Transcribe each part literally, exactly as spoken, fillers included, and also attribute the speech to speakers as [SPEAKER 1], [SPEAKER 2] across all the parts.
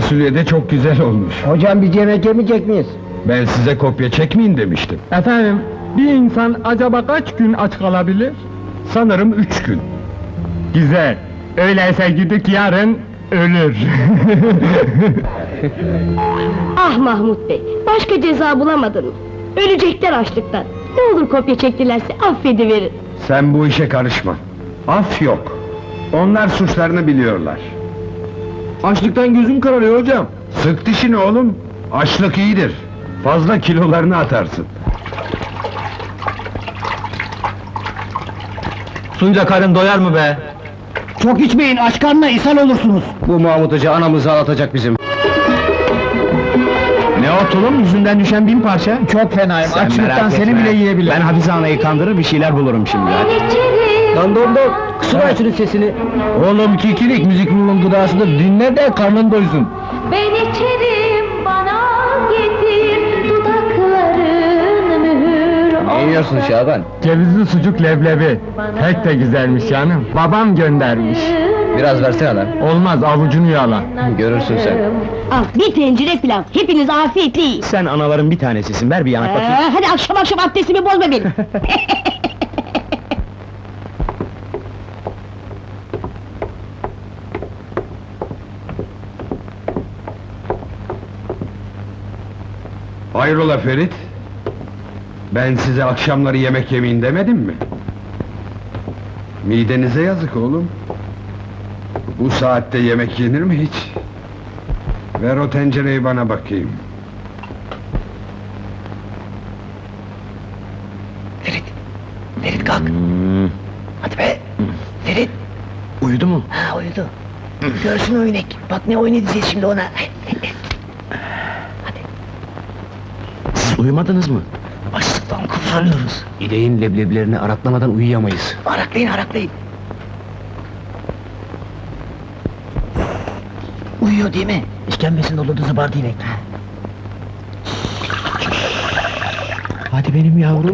[SPEAKER 1] fasulye de çok güzel olmuş.
[SPEAKER 2] Hocam biz yemek yemeyecek miyiz?
[SPEAKER 1] Ben size kopya çekmeyin demiştim.
[SPEAKER 3] Efendim, bir insan acaba kaç gün aç kalabilir?
[SPEAKER 1] Sanırım üç gün.
[SPEAKER 3] Güzel. Öyleyse gidip yarın ölür.
[SPEAKER 4] Ah Mahmut Bey, başka ceza bulamadın mı? Ölecekler açlıktan. Ne olur kopya çektilerse affediverin.
[SPEAKER 1] Sen bu işe karışma. Af yok. Onlar suçlarını biliyorlar.
[SPEAKER 3] Açlıktan gözüm kararıyor hocam.
[SPEAKER 1] Sık dişini oğlum. Açlık iyidir. Fazla kilolarını atarsın.
[SPEAKER 3] Suyla karın doyar mı be?
[SPEAKER 2] Çok içmeyin, aç karnına ishal olursunuz.
[SPEAKER 1] Bu Mahmut Hoca anamızı ağlatacak bizim.
[SPEAKER 3] Ne o tulum, yüzünden düşen bin parça?
[SPEAKER 2] Çok fenayım,
[SPEAKER 1] Sen
[SPEAKER 2] açlıktan
[SPEAKER 1] merak
[SPEAKER 2] seni
[SPEAKER 1] etme.
[SPEAKER 2] bile yiyebilirim.
[SPEAKER 1] Ben Hafize anayı kandırır bir şeyler bulurum şimdi.
[SPEAKER 2] Lan don don, kısıver şunun sesini.
[SPEAKER 1] Oğlum kikilik müzik ruhun gıdasıdır, dinle de karnın doysun.
[SPEAKER 5] Ben içerim, bana getir dudakların mühür
[SPEAKER 1] Ne yiyorsun Şaban?
[SPEAKER 3] Cevizli sucuk leblebi. Pek de güzelmiş canım. Babam göndermiş.
[SPEAKER 1] Biraz versene lan.
[SPEAKER 3] Olmaz, avucunu yala.
[SPEAKER 1] Görürsün sen.
[SPEAKER 4] Al, bir tencere pilav, hepiniz afiyetle yiyin.
[SPEAKER 1] Sen anaların bir tanesisin, ver bir yanak bakayım.
[SPEAKER 4] Ee, hadi akşam akşam abdestimi bozma benim.
[SPEAKER 1] Hayrola Ferit? Ben size akşamları yemek yemeyin demedim mi? Midenize yazık oğlum. Bu saatte yemek yenir mi hiç? Ver o tencereyi bana bakayım.
[SPEAKER 2] Ferit, Ferit kalk. Hadi be, Ferit.
[SPEAKER 1] Uyudu mu?
[SPEAKER 2] Ha uyudu. Görsün o inek, bak ne oyun edeceğiz şimdi ona.
[SPEAKER 1] Siz uyumadınız mı?
[SPEAKER 2] Açlıktan kıvranıyoruz.
[SPEAKER 1] İneğin leblebilerini araklamadan uyuyamayız.
[SPEAKER 2] Araklayın, araklayın. Uyuyor değil mi? İşkembesinde olurdu zıbardı inek.
[SPEAKER 1] Hadi benim yavrum.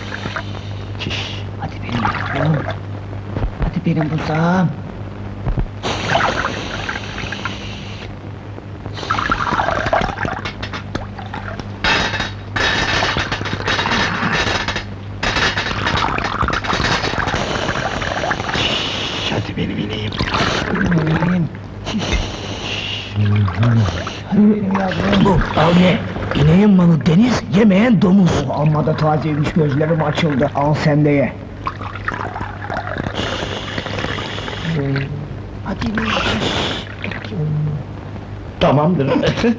[SPEAKER 2] Hadi benim yavrum. Hadi benim buzağım.
[SPEAKER 1] Hadi benim ineğim.
[SPEAKER 2] Benim. Hadi benim yavrum. Bu, al ye. İneğin malı deniz, yemeyen domuz. Oh, amma da tazeymiş, gözlerim açıldı. Al sen de ye. Hadi ineğim.
[SPEAKER 1] Tamamdır.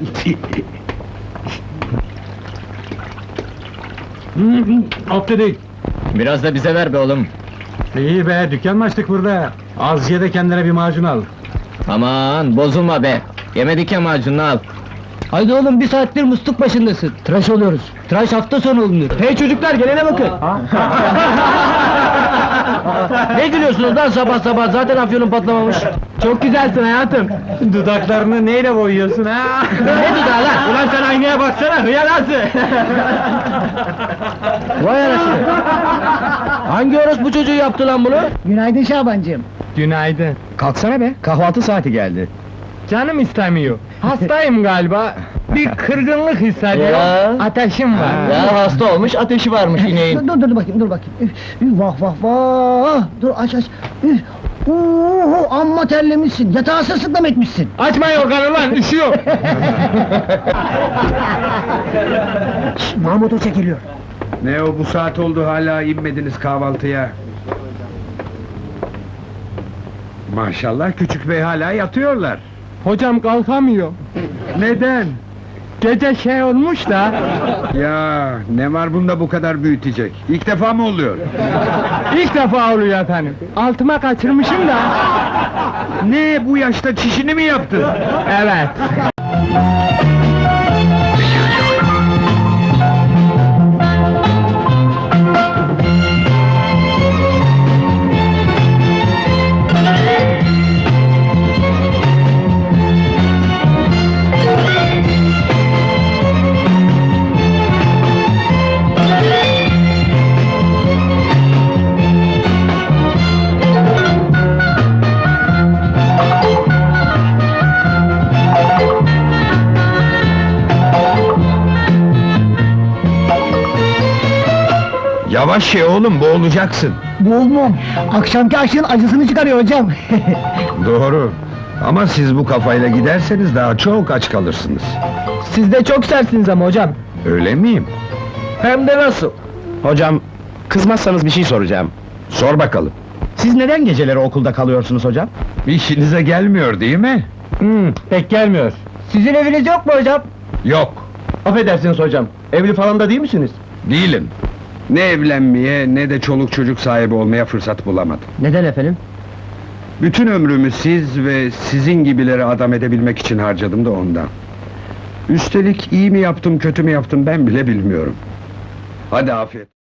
[SPEAKER 3] Alt dedik.
[SPEAKER 6] Biraz da bize ver be oğlum.
[SPEAKER 3] İyi be, dükkan mı açtık burada? Az ye de kendine bir macun al.
[SPEAKER 6] Aman bozulma be. Yemedik ya macununu al.
[SPEAKER 2] Haydi oğlum, bir saattir musluk başındasın. Tıraş oluyoruz. Tıraş hafta sonu olunur.
[SPEAKER 3] Hey çocuklar, gelene bakın!
[SPEAKER 2] Ne gülüyorsunuz lan sabah sabah, zaten afyonun patlamamış.
[SPEAKER 3] Çok güzelsin hayatım! Dudaklarını neyle boyuyorsun ha?
[SPEAKER 2] Ne dudağı lan?
[SPEAKER 3] Ulan sen aynaya baksana, hıyarası!
[SPEAKER 2] Vay anasını! Hangi orospu çocuğu yaptı lan bunu? Günaydın Şabancığım.
[SPEAKER 3] Günaydın.
[SPEAKER 1] Kalksana be, kahvaltı saati geldi.
[SPEAKER 3] Canım istemiyor. Hastayım galiba. Bir kırgınlık hissediyorum.
[SPEAKER 6] Ya.
[SPEAKER 3] Ateşim var.
[SPEAKER 6] Ya hasta olmuş, ateşi varmış ineğin.
[SPEAKER 2] Dur dur bakayım, dur bakayım. Üf, üf, vah vah vah! Dur aç aç. Üf. Uhu, amma terlemişsin. Yatağı sırtıklam etmişsin.
[SPEAKER 3] Açma yorganı lan, üşüyor!
[SPEAKER 2] Şşş, Mahmut Hoca geliyor.
[SPEAKER 1] Ne o, bu saat oldu hala inmediniz kahvaltıya? Maşallah küçük bey hala yatıyorlar.
[SPEAKER 3] Hocam kalkamıyor.
[SPEAKER 1] Neden?
[SPEAKER 3] Gece şey olmuş da...
[SPEAKER 1] Ya ne var bunda bu kadar büyütecek? İlk defa mı oluyor?
[SPEAKER 3] İlk defa oluyor efendim. Altıma kaçırmışım da...
[SPEAKER 1] Ne, bu yaşta çişini mi yaptın?
[SPEAKER 3] Evet.
[SPEAKER 1] Yavaş ye oğlum, boğulacaksın.
[SPEAKER 2] Boğulmam. Akşamki aşığın acısını çıkarıyor hocam.
[SPEAKER 1] Doğru. Ama siz bu kafayla giderseniz daha çok aç kalırsınız.
[SPEAKER 3] Siz de çok sersiniz ama hocam.
[SPEAKER 1] Öyle miyim?
[SPEAKER 3] Hem de nasıl?
[SPEAKER 7] Hocam, kızmazsanız bir şey soracağım.
[SPEAKER 1] Sor bakalım.
[SPEAKER 7] Siz neden geceleri okulda kalıyorsunuz hocam?
[SPEAKER 1] İşinize gelmiyor değil mi?
[SPEAKER 3] Hmm, pek gelmiyor.
[SPEAKER 2] Sizin eviniz yok mu hocam?
[SPEAKER 1] Yok,
[SPEAKER 3] Affedersiniz hocam. Evli falan da değil misiniz?
[SPEAKER 1] değilim. Ne evlenmeye ne de çoluk çocuk sahibi olmaya fırsat bulamadım.
[SPEAKER 3] Neden efendim?
[SPEAKER 1] Bütün ömrümü siz ve sizin gibileri adam edebilmek için harcadım da ondan. Üstelik iyi mi yaptım, kötü mü yaptım ben bile bilmiyorum. Hadi afiyet.